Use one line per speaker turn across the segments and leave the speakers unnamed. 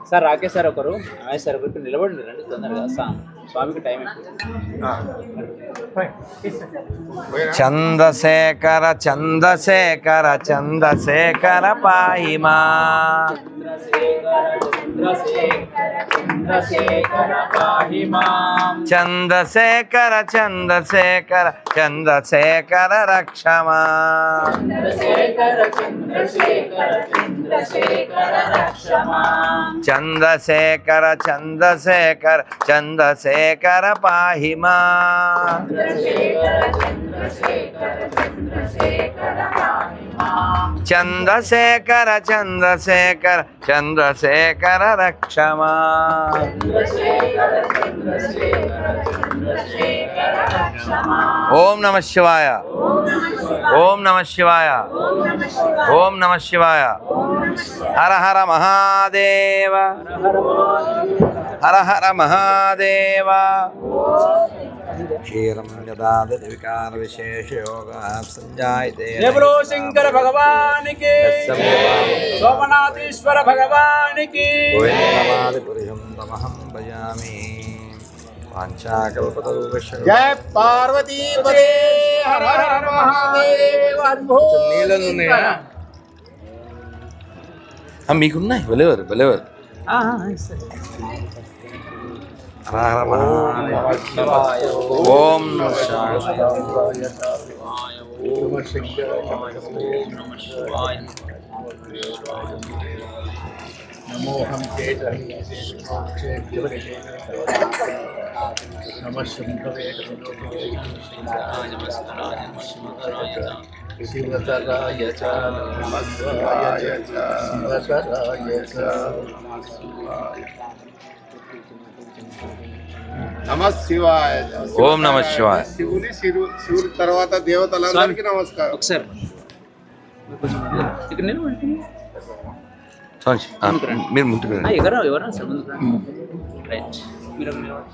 Sir Rakesh sir ఒకరు ఆయన sir ఒకరికి నిలబడి రండి తొందరగా స్వామికి టైం
చంద్రశేఖర చంద్రశేఖర చంద్రశేఖర పాహిమా చంద్రశేఖర చంద్రశేఖర చంద్రశేఖర రక్షమా చంద్రశేఖర చంద్రశేఖర చంద్రశేఖర పాహిమా చంద్రశేఖర చంద్రశేఖర చంద్రశేఖర రక్షమా ఓం నమః శివాయ ఓం నమః శివాయ ఓం నమః శివాయ హర హర మహాదేవ హర హర మహాదేవ క్షీరం యదాదతి వికార విశేష యోగా సంజాయతే
బోలో శంకర భగవానికి సోమనాథేశ్వర భగవానికి
గోవిందమాది పురుషం తమహం భజామి వాంఛాకల్పతరుభ్యశ్చ
జయ పార్వతీ పదే హర హర మహాదేవ
నీళ్ళున్నాయా మీకున్నాయి బలేవారు బలేవారు హర హర మహాదేవ ఓం
నమోహం శివతరాయ చ నమః శివతరాయ చ నమః శివాయ.
ఓం నమః శివాయ.
శివుడి తర్వాత దేవతలందరికీ నమస్కారం.
ఒకసారి ఇక్కడ నిలబడి
మీరు ముందు
ఎవరా సార్ ముందుకు రైట్ మీరు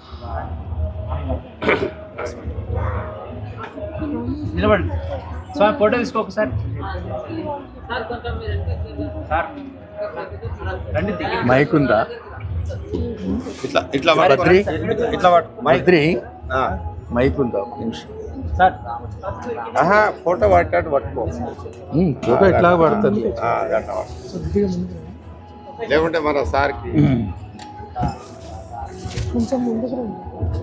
నిలబడండి స్వామి ఫోటో తీసుకో ఒకసారి సార్ రండి
మైక్ ఉందా?
ఇట్లా ఇట్లా
బద్రి
ఇట్లా
మైత్రి మైక్ ఉందా?
సార్
ఫోటో పట్టాడు పట్టుకో. ఫోటో ఎట్లా పడుతుంది? లేకుంటే మన సార్కి కొంచెం ముందుకు రండి.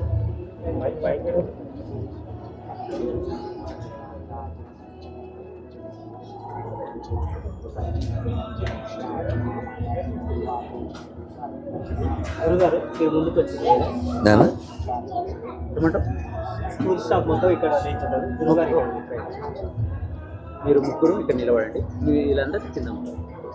గురుగారు మీరు ముందుకు వచ్చింది స్కూల్ స్టాఫ్ మొత్తం ఇక్కడ నిల్చుంటారు. గురుగారు మీరు ముగ్గురు ఇక్కడ నిలబడండి. వీళ్ళందరూ కింద ఉంటారు.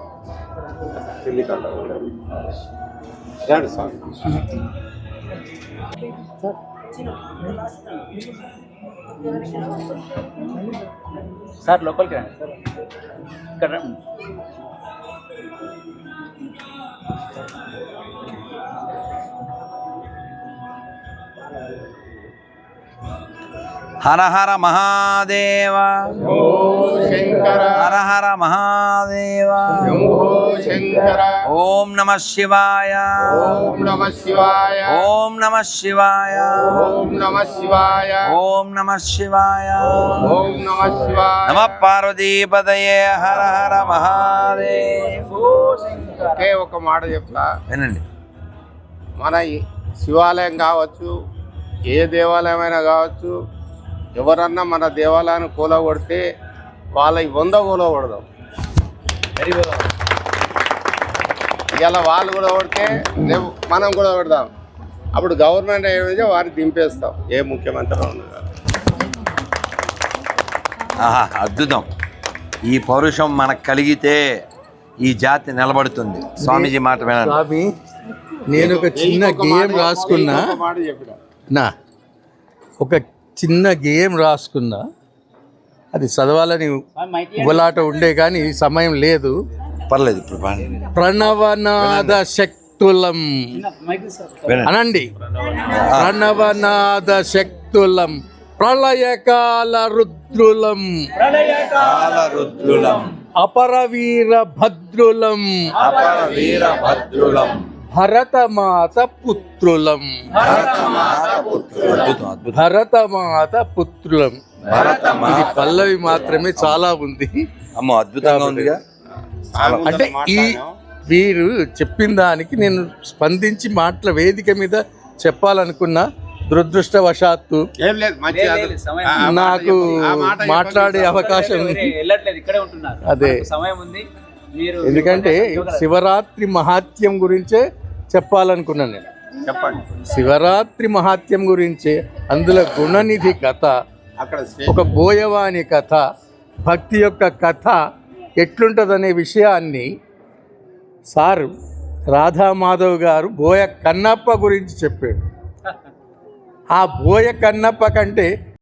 సార్ లోపలికి రండి సార్ ఇక్కడ రండి.
హర హర మహాదేవ హర హర మహాదేవ ఓం నమః శివాయ
ఓం నమః శివాయ
ఓం నమః శివాయ
ఓం నమః శివాయ
ఓం నమః శివాయ
ఓం నమః శివాయ
నమః పార్వతీపతయే హర హర మహాదేవ.
ఒకే ఒక మాట చెప్తా
వినండి.
మన శివాలయం కావచ్చు, ఏ దేవాలయమైనా కావచ్చు, ఎవరన్నా మన దేవాలయాన్ని కూలగొడితే వాళ్ళ 100 కూలగొడదాం. ఇలా వాళ్ళు కూడా కొడితే రేపు మనం కూడా కొడదాం. అప్పుడు గవర్నమెంట్ ఏమైతే వారిని దింపేస్తాం. ఏ ముఖ్యమంత్రి ఉండదు.
ఆహా, అద్భుతం. ఈ పౌరుషం మనకు కలిగితే ఈ జాతి నిలబడుతుంది. స్వామీజీ మాట వినండి.
స్వామి, నేను ఒక చిన్న గేమ్ రాసుకున్నా.
మాట చెప్పిన
ఒక చిన్న గేమ్ రాసుకున్నా. అది చదవాలని ఉబలాట ఉండే కానీ సమయం లేదు.
పర్లేదు, ఇప్పుడు బాగా
ప్రణవనాద శక్తులం అనండి. ప్రణవనాద శక్తులం ప్రళయకాల రుద్రులం
రుద్రులం
అపరవీర భద్రులం
అపర వీర భద్రులం
భరతమాత పుత్రులం.
అద్భుతం అద్భుతం.
భరతమాత పుత్రులం. ఇది పల్లవి మాత్రమే, చాలా ఉంది.
అమ్మో అద్భుతంగా ఉందిగా.
అంటే ఈ వీరు చెప్పిన దానికి నేను స్పందించి వేదిక మీద చెప్పాలనుకున్నా, దురదృష్టవశాత్తు
ఏం లేదు, మంచి
లేదు, లేదు, సమయం
నాకు మాట్లాడే అవకాశం
వెళ్ళట్లేదు, ఇక్కడే ఉంటున్నారు.
అదే.
మనకు సమయం ఉంది. మీరు
ఎందుకంటే శివరాత్రి మహాత్యం గురించే చెప్పాలనుకున్నాను నేను.
చెప్పండి.
శివరాత్రి మహాత్యం గురించే, అందులో గుణనిధి కథ,
అక్కడ
ఒక బోయవాని కథ, భక్తి యొక్క కథ ఎట్లుంటుందనే విషయాన్ని సారు రాధామాధవ్ గారు బోయ కన్నప్ప గురించి చెప్పాడు. ఆ బోయ కన్నప్ప కంటే